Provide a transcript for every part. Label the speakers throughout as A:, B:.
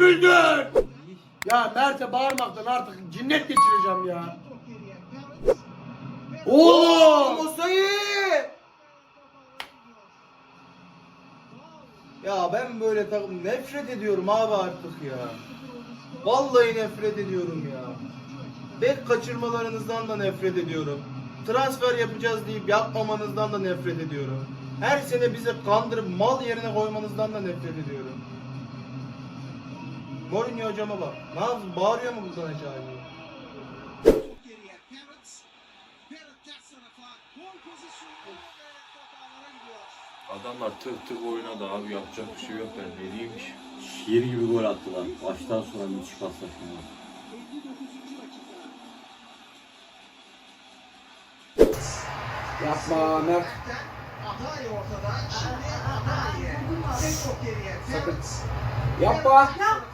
A: gömüldün. Ya Mert'e bağırmaktan artık cinnet geçireceğim ya. Oğlum!
B: Osayi! Ya ben böyle takım nefret ediyorum abi artık ya. Vallahi nefret ediyorum ya. Bek kaçırmalarınızdan da nefret ediyorum. Transfer yapacağız deyip yapmamanızdan da nefret ediyorum. Her sene bize kandırıp mal yerine koymanızdan da nefret ediyorum. Mourinho hocama bak. Ne yapsın? Bağırıyor mu buradan aşağıya?
C: Adamlar tık tık oynadı abi, yapacak bir şey yok, ben ne diyeyim ki.
D: Şiir gibi gol attılar. Baştan sonra müthiş paslaşma.
A: Yapma Mert. Sakın. Yapma.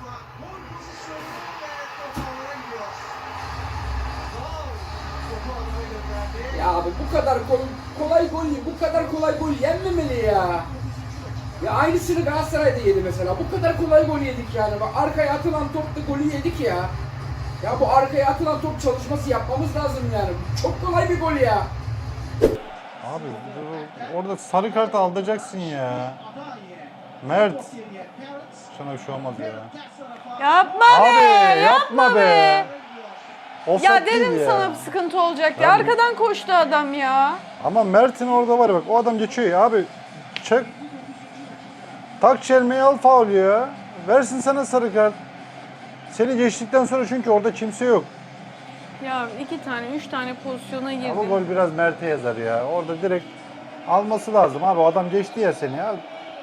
A: Ya abi bu kadar kolay gol, bu kadar kolay gol yenmemeli ya. Ya aynısını Galatasaray'da yedi mesela. Bu kadar kolay gol yedik yani. Bak arkaya atılan topta golü yedik ya. Ya bu arkaya atılan top çalışması yapmamız lazım yani. Çok kolay bir gol ya.
E: Abi orada sarı kart alacaksın ya. Mert. Sana bir şey olmaz ya.
F: Yapma
E: Abi
F: be!
E: yapma be. Offside
F: Ya
E: değil
F: dedim
E: ya.
F: sana bir sıkıntı olacak ya. Arkadan koştu adam ya.
E: Ama Mert'in orada var ya, bak o adam geçiyor ya abi. Çek. Tak çelmeyi, al faul ya. Versin sana sarı kart. Seni geçtikten sonra, çünkü orada kimse yok.
F: Ya 2 tane 3 tane pozisyona girdi.
E: Ama gol biraz Mert'e yazar ya. Orada direkt alması lazım abi. O adam geçti ya seni ya.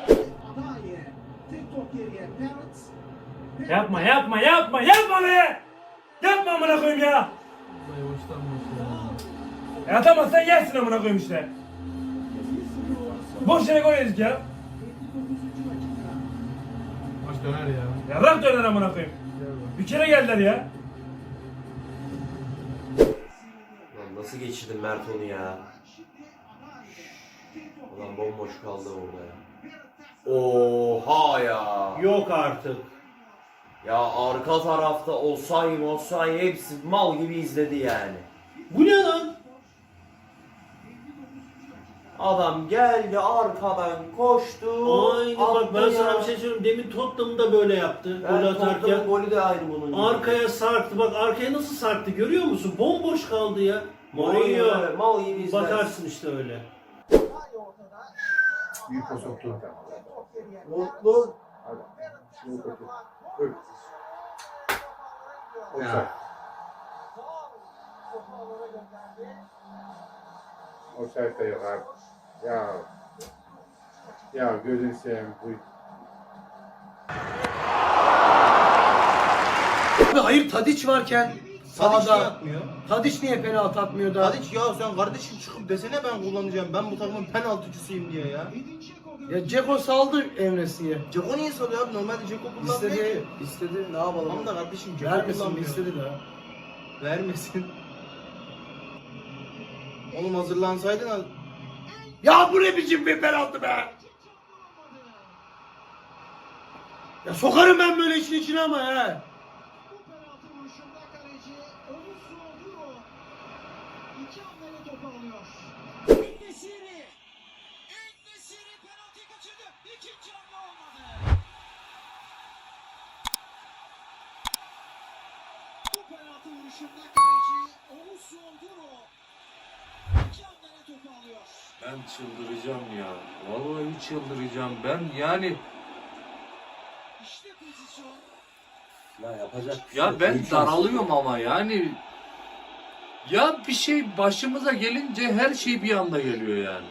G: Yapma yapma yapma yapma be! Yapma amına koyayım ya! Ya atamazsan yersin amına koyayım işte. Boş yere gol yedik ya.
H: Maç döner ya.
G: Ya bırak döner amına koyayım. Bir kere geldiler ya.
I: Lan nasıl geçirdin Mert onu ya? Ulan bomboş kaldı orada ya. Oha ya.
B: Yok artık.
I: Ya arka tarafta Osayi hepsi mal gibi izledi yani.
B: Bu ne lan?
I: Adam geldi arkadan koştu.
J: Aynı bak, ben
I: attı
J: sana
I: ya.
J: bir şey söyleyeyim. Demin Tottenham da böyle yaptı. Gol
I: Evet,
J: atarken.
I: Tottenham'ın golü de aynı bunun gibi.
J: Arkaya sarktı. Bak arkaya nasıl sarktı görüyor musun? Bomboş kaldı ya.
I: Mourinho
J: Mourinho.
I: mal gibi izler.
J: Bakarsın işte öyle.
H: Büyük o soktu.
B: Mutlu.
H: Ya. O sayfa yok abi. Ya. Ya gözünü seveyim bu.
A: Abi hayır Tadiç varken
B: Tadiç niye
A: sağda.
B: atmıyor?
A: Tadiç niye penaltı atmıyor da?
B: Tadiç ya sen kardeşim çıkıp desene ben kullanacağım. Ben bu takımın penaltıcısıyım diye ya.
A: Ya Ceko saldı Emre'siye.
B: Ceko niye salıyor abi? Normalde Ceko kullanmıyor ki.
A: İstedi ne yapalım?
B: Tamam da kardeşim Ceko
A: Vermesin
B: kullanmıyor.
A: istedi de.
B: Vermesin. Oğlum hazırlansaydın.
A: Ya bu ne biçim bir penaltı be? Ya sokarım ben böyle işin içine ama he.
C: Ben çıldıracağım ya. Vallahi çıldıracağım ben yani.
D: Ya yapacak bir şey
C: Ya
D: yok.
C: ben
D: Büyük
C: daralıyorum ama yani. Ya bir şey başımıza gelince her şey bir anda geliyor yani.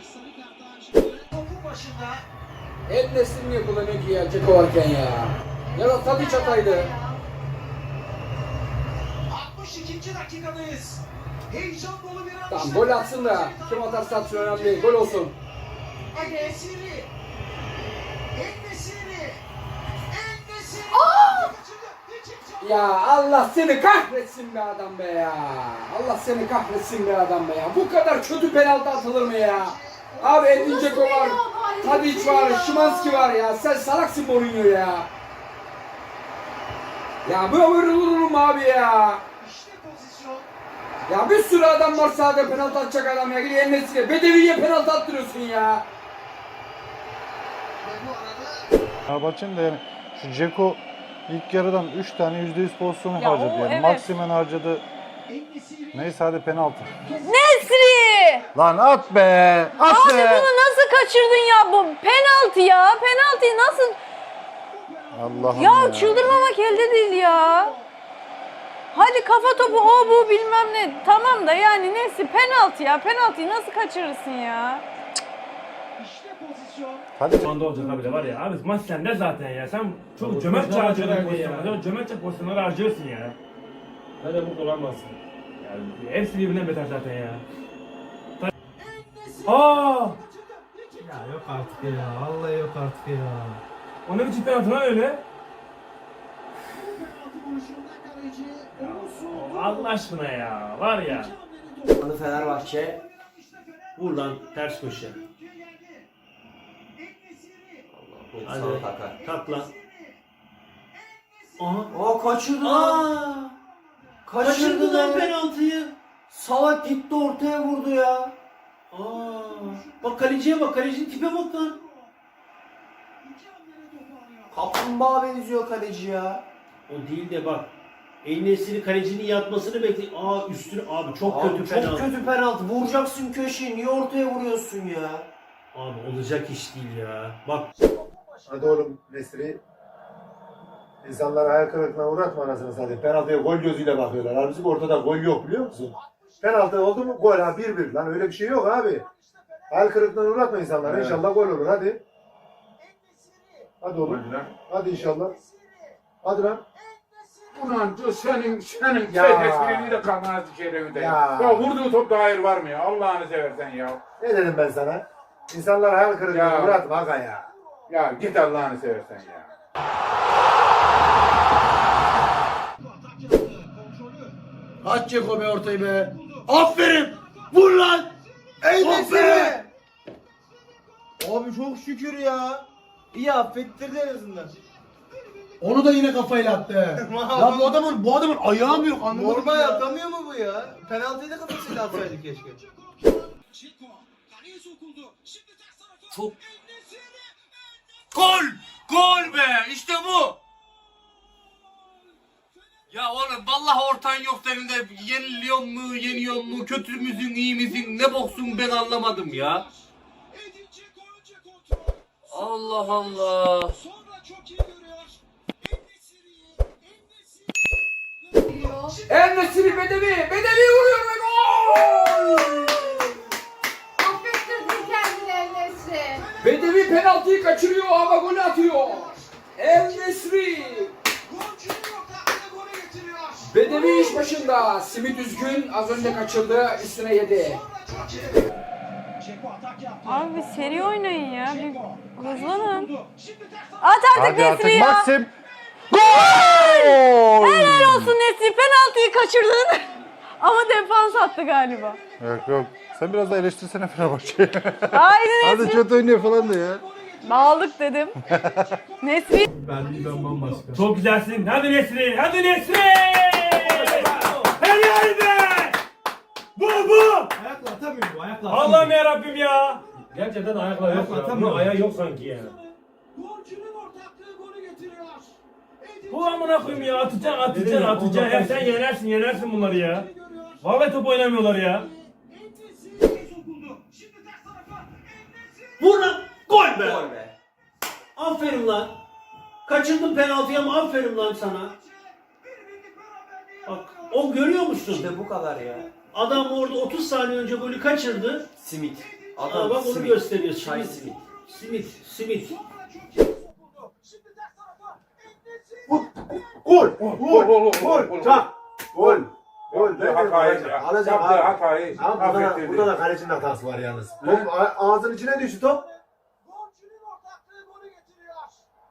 A: El nesli niye kullanıyor ki ya Ceko varken ya? Ya da Tadiç ataydı.
K: 62. dakikadayız. Heyecan dolu bir an.
A: Tamam gol atsın da kim atarsa atsın önemli değil. Gol olsun.
K: En-Nesyri.
A: Ya Allah seni kahretsin be adam be ya. Allah seni kahretsin be adam be ya. Bu kadar kötü penaltı atılır mı ya? Abi Edin Dzeko var. Tadiç var. Szymanski var ya. Sen salaksın Mourinho ya. Ya böyle olur mu abi ya?
K: İşte pozisyon.
A: Ya bir sürü adam var sahada penaltı atacak adam ya. Gidiyor Enes'e. Bedevi'ye penaltı attırıyorsun ya.
K: Ve bu arada
E: Fenerbahçe'nin de yani şu Dzeko ilk yarıdan 3 tane %100 pozisyon
F: Ya
E: harcadı
F: o
E: yani.
F: evet.
E: Maximen harcadı.
K: En-Nesyri
E: Neyse hadi penaltı.
F: Nesri!
E: Lan at be! At
F: Abi
E: be!
F: bunu nasıl kaçırdın ya? Bu penaltı ya. Penaltıyı nasıl...
E: Allah'ım
F: Ya çıldırmamak elde değil ya. Hadi kafa topu o bu bilmem ne. Tamam da yani neyse penaltı ya. Penaltıyı nasıl kaçırırsın ya?
K: işte pozisyon.
E: Hadi.
G: Şu anda olacak abi de var ya. Abi maç sende zaten ya. Sen çok cömertçe harcıyorsun pozisyonları. Sen cömertçe pozisyonları harcıyorsun ya. Hadi bu olamazsın. Yani hepsi birbirinden beter zaten ya. Aa!
J: Ya yok artık ya. Vallahi yok artık ya.
G: O ne biçim penaltı lan öyle?
K: Penaltı vuruşunda kaleci Oğuzhan.
G: Allah aşkına ya. Var ya.
I: Fenerbahçe.
J: Vur lan ters köşe. Hadi. Kalk lan. Aha.
I: Aa kaçırdı lan.
J: Aa!
I: Kaçırdı
J: lan
I: lan.
J: penaltıyı.
I: Salak gitti ortaya vurdu ya.
J: Aa! Bak kaleciye bak. Kalecinin tipe bak lan.
I: Kaplumbağa benziyor kaleci ya.
J: O değil de bak. El-Nesiri kalecinin yatmasını bekle. Aa üstüne abi çok
I: Abi
J: kötü
I: çok
J: penaltı.
I: kötü penaltı. Vuracaksın köşeyi. Niye ortaya vuruyorsun ya?
J: Abi olacak iş değil ya. Bak
H: Hadi oğlum Nesri. İnsanları hayal kırıklığına uğratma anasını satayım. Penaltıya gol gözüyle bakıyorlar. Halbuki ortada gol yok biliyor musun? Penaltı oldu mu gol ha 1-1. Lan öyle bir şey yok abi. Hayal kırıklığına uğratma insanları.
A: Evet.
H: İnşallah gol olur hadi. Hadi oğlum. Hadi inşallah. Hadi lan.
L: Ulan senin
H: Ya.
L: espriliği de kalmaz içeri
H: Ya.
L: Ya vurduğu topta hayır var mı ya? Allah'ını seversen ya.
H: Ne dedim ben sana? İnsanları hayal kırıklığına
L: Ya.
H: uğratma aga ya.
L: Ya git Allah'ını seversen ya.
B: Aç Ceko be ortayı be. Aferin. Vur lan. Ey Nesri. Abi çok şükür ya. İyi affettirdi en azından.
J: onu da yine kafayla attı.
B: Ya bu adamın ayağı mı yok anlamadım. Normal atamıyor mu bu ya? Penaltıyı da kafasıyla atsaydı keşke.
K: Çeko. Kaleye sokuldu. Şimdi ters tarafa.
C: Çok-
K: En-Nesyri.
C: Gol! Gol be! İşte bu! Ya oğlum vallahi ortan yok senin de yeniliyor mu, yeniyor mu, kötü müsün, iyi misin, ne boksun ben anlamadım ya.
K: Edin Dzeko önce kontrol.
C: Allah Allah.
K: Sonra çok iyi görüyor. En-Nesyri.
A: Enes'i Bedevi. Bedevi vuruyor ve gol!
F: Affettirdin kendini Enes'i.
A: Bedevi penaltıyı kaçırıyor ama golü atıyor. El-Nesri.
K: Golcünün ortaklığı golü getiriyor.
A: Bedevi iş başında. Simit üzgün. Az önce kaçırdı. Üstüne yedi.
K: Sonra çok iyi. Dzeko atak yaptı.
F: Abi bir seri oynayın ya. Bir hızlanın.
K: Şimdi ters tarafa.
F: At artık
E: Hadi artık
F: Nesri ya.
E: Maxim. Gol!
F: Helal olsun Nesri. Penaltıyı kaçırdın. Ama defans attı galiba.
E: Yok yok. Sen biraz da eleştirsene Fenerbahçe'yi.
F: Haydi
E: Hadi
F: Nesri.
E: kötü oynuyor falan da ya.
F: Bağladık dedim. Nesri.
J: Ben bambaşka.
G: Çok güzelsin. Hadi Nesri. Hadi Nesri. Helal be. Bu.
J: Ayakla atamıyor bu ayakla.
G: Allah'ım ya Rabbim ya. Gerçekten ayakla yok ya.
J: Atamıyor.
G: Bunun ayağı yok sanki ya.
K: Golcünün ortaklığı golü getiriyor. Edin
G: Bu amına koyayım ya. Atacaksın. Hep sen yenersin bunları ya. Vallahi top oynamıyorlar ya.
K: En-Nesyri sokuldu. Şimdi ters tarafa. En-Nesyri.
J: Vur lan. Gol be.
I: Gol be.
J: Aferin lan. Kaçırdın penaltıyı ama aferin lan sana.
K: Bir birlik beraberliği
J: Bak o görüyor musun?
I: İşte bu kadar ya.
J: Adam orada 30 saniye önce golü kaçırdı.
I: Simit.
J: Aa, bak onu
I: simit.
J: gösteriyor.
I: Çay
J: Simit.
I: simit.
J: Simit.
K: sonra çok iyi sokuldu. Şimdi ters tarafa. En-Nesyri.
H: Gol. Çak. Gol. Gol.
L: Yaptığı hatayı,
H: Alacak
L: yaptığı
H: abi.
L: hatayı
H: Ama
L: affettirdi.
H: burada da kalecinin hatası var yalnız. Top ağzının içine düştü top.
K: Golcünün ortaklığı golü getiriyor.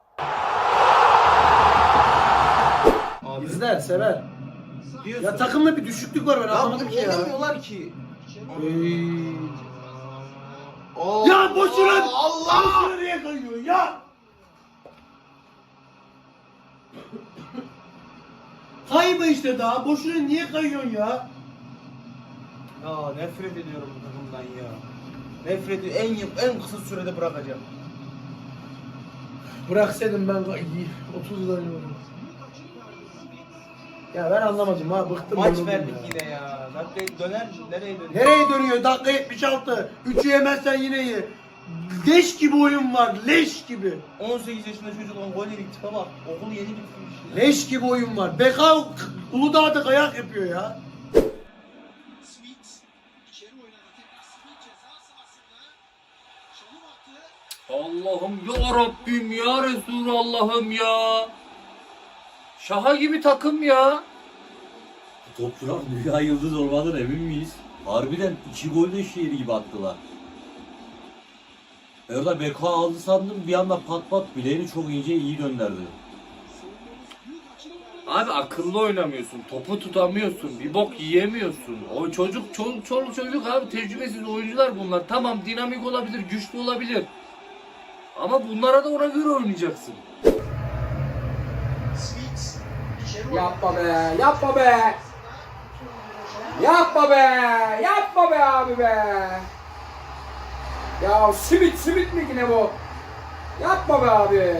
B: İzler, sever. Ya takımda bir düşüklük var ben anlamadım ki ya. Oynamıyorlar ki. Ya boşuna Allah! Boşuna niye kayıyorsun ya?
J: Kayma işte daha. Boşuna niye kayıyorsun ya?
B: Ya nefret ediyorum bu takımdan ya. Nefret en kısa sürede bırakacağım.
J: Bıraksaydım ben 30 yıl önce onu. Ya ben anlamadım ha, bıktım.
B: Maç
J: yoruldum
B: verdik
J: ya.
B: yine ya. Dakika döner nereye dönüyor?
J: Nereye dönüyor? Dakika 76. 3'ü yemezsen yine ye. Leş gibi oyun var. Leş gibi.
B: 18 yaşında çocuk on gol yedik tipe bak. Okulu yeni bitirmiş.
J: Leş gibi oyun var. Beka Uludağ'da kayak yapıyor ya.
K: Smith içeri oynadı. Tekrar Smith ceza sahasında. Çalım attı.
C: Allah'ım ya Rabbim ya Resulallah'ım ya. Şaha gibi takım ya.
D: Topçular dünya yıldız olmadan emin miyiz? Harbiden 2 gol de şiiri gibi attılar. Orada Beko aldı sandım, bir anda pat pat bileğini çok ince iyi gönderdi.
C: Abi akıllı oynamıyorsun, topu tutamıyorsun, bir bok yiyemiyorsun. O çoluk çocuk abi, tecrübesiz oyuncular bunlar. Tamam, dinamik olabilir, güçlü olabilir. Ama bunlara da ona göre oynayacaksın.
K: Smith içeri oynadı.
A: Yapma be, yapma be. Yapma be, yapma be abi be. Ya simit mi yine bu? Yapma be abi.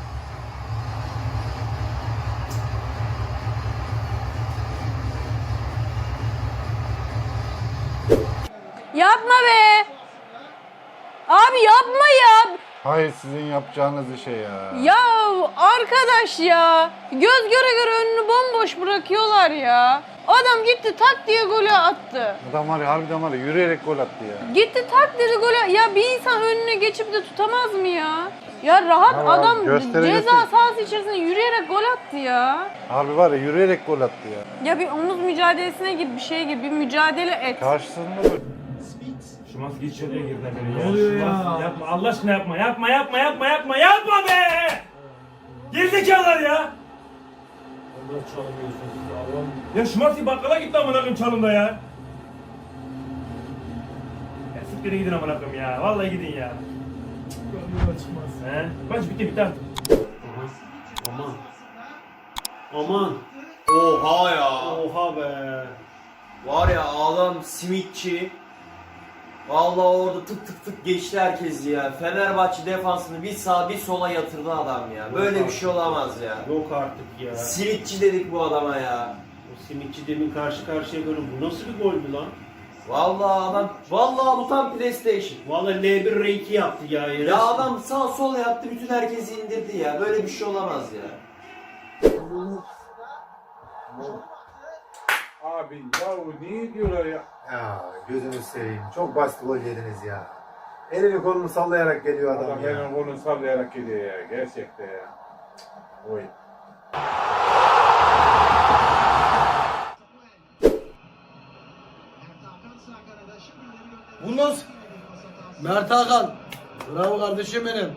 F: Yapma be. Abi yapma ya.
E: Hayır sizin yapacağınız bir şey ya.
F: Ya arkadaş ya. Göz göre göre önünü bomboş bırakıyorlar ya. Adam gitti tak diye golü attı.
E: Adam var ya, harbiden var ya, yürüyerek gol attı ya.
F: Gitti tak dedi golü. Ya bir insan önüne geçip de tutamaz mı ya? Ya rahat
E: Ya
F: adam
E: göstereceksin.
F: ceza sahası içerisinde yürüyerek gol attı ya.
E: Harbi var ya, yürüyerek gol attı ya.
F: Ya bir omuz mücadelesine gir, bir şey gir, bir mücadele et.
E: Karşısında böyle.
G: Şimanski hiç şuraya girdi beni ya.
J: Ne oluyor ya?
G: Şimanski yapma Allah aşkına yapma be! Gerizekalılar ya! Allah çalmıyorsunuz ya Allah'ım. Ya Şimanski bakkala gitti amına koyayım çalımda ya. Ya siktirin gidin amına koyayım ya. Vallahi gidin ya. He? Maç bitti artık.
J: Aman. Aman.
I: Oha ya.
J: Oha be.
I: Var ya adam simitçi. Vallahi orada tık tık tık geçti herkes ya. Fenerbahçe defansını bir sağa bir sola yatırdı adam ya. Böyle bir şey olamaz ya.
J: Yok artık ya.
I: Simitçi dedik bu adama ya.
J: O simitçi demin karşı karşıya gördüm. Bu nasıl bir goldü lan?
I: Vallahi bu tam PlayStation.
J: Vallahi L1 R2 yaptı ya.
I: Ya adam sağ sol yaptı, bütün herkesi indirdi ya. Böyle bir şey olamaz ya.
L: Abi ya niye diyorlar ya?
H: Ya gözünü seveyim. Çok basit gol yediniz ya. Elini kolunu sallayarak geliyor adam,
L: Adam
H: ya.
L: benim kolunu sallayarak gidiyor ya. Gerçekten ya. Oy.
J: Bu nasıl? Mert Hakan. Bravo kardeşim benim.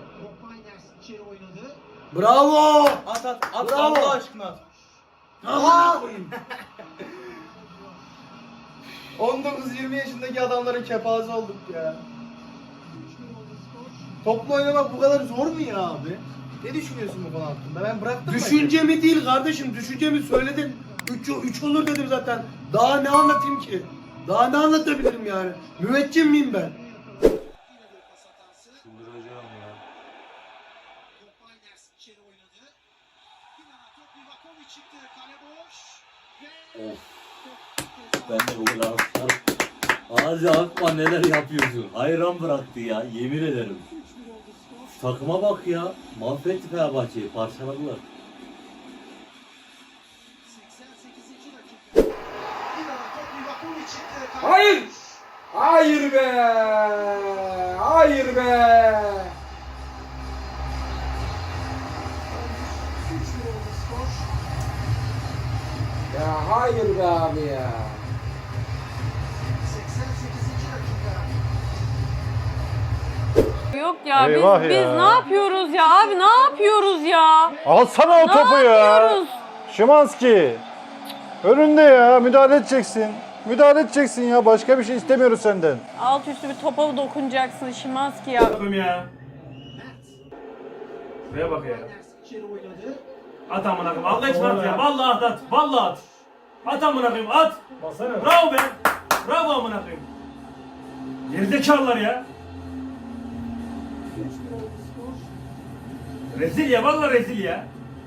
J: Bravo.
B: At
J: Bravo.
B: Allah aşkına.
J: Amına koyayım.
B: 19-20 yaşındaki adamların kepaze olduk ya. Topla oynamak bu kadar zor mu ya abi? Ne düşünüyorsun bu konu hakkında? Ben bıraktım
J: Düşüncemi değil kardeşim. Düşüncemi söyledim. 3 olur dedim zaten. Daha ne anlatayım ki? Daha ne anlatabilirim yani? Müveccim miyim ben?
D: Çıldıracağım ya. Of. Ben de bu kadar Ağzı akma neler yapıyorsun. Hayran bıraktı ya, yemin ederim. Şu takıma bak ya. Mahvetti Fenerbahçe'yi, parçaladılar.
A: Hayır! Hayır be! Hayır be! Ya hayır be abi ya.
F: Yok ya
E: Eyvah
F: biz
E: ya.
F: ne yapıyoruz ya abi, ne yapıyoruz ya?
E: Alsana o
F: Ne
E: topu ya.
F: yapıyoruz?
E: Şimanski. Önünde ya, müdahale edeceksin. Müdahale edeceksin ya, başka bir şey istemiyoruz senden.
F: Alt üstü bir topa dokunacaksın Şimanski ya.
G: Bakayım ya. Şuraya bak ya. At amına koyayım. Allah için at ya. Vallahi at at. Vallahi at. At amına koyayım at.
L: Baksana.
G: Bravo be. Bravo amına koyayım. Gerizekalılar ya. Rezil ya vallahi rezil ya.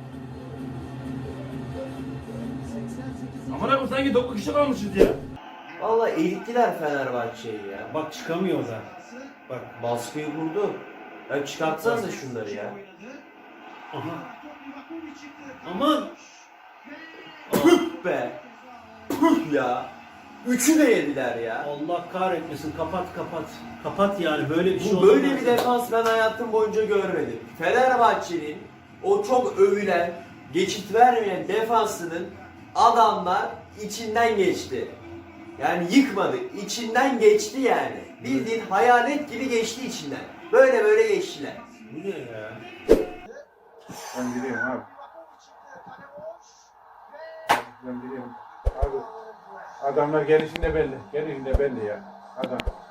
G: Amına koyayım sanki 9 kişi kalmışız ya.
I: Vallahi erittiler Fenerbahçe'yi ya.
J: Bak çıkamıyor da.
I: Bak baskıyı kurdu. Ya çıkartsanıza şunları ya.
J: Aha. Aman.
I: Püh be. Püh ya. Üçü de yediler ya.
J: Allah kahretmesin. Kapat kapat. Kapat yani böyle bir şey
I: Bu
J: olmaz.
I: böyle bir defans ben hayatım boyunca görmedim. Fenerbahçe'nin o çok övülen, geçit vermeyen defansının adamlar içinden geçti. Yani yıkmadı, içinden geçti yani. Bildiğin hayalet gibi geçti içinden. Böyle böyle geçtiler.
J: Bu ne ya?
L: Ben gidiyorum abi. Ben gidiyorum. Abi adamlar gelişinde belli. Gelişinde belli ya. Adam.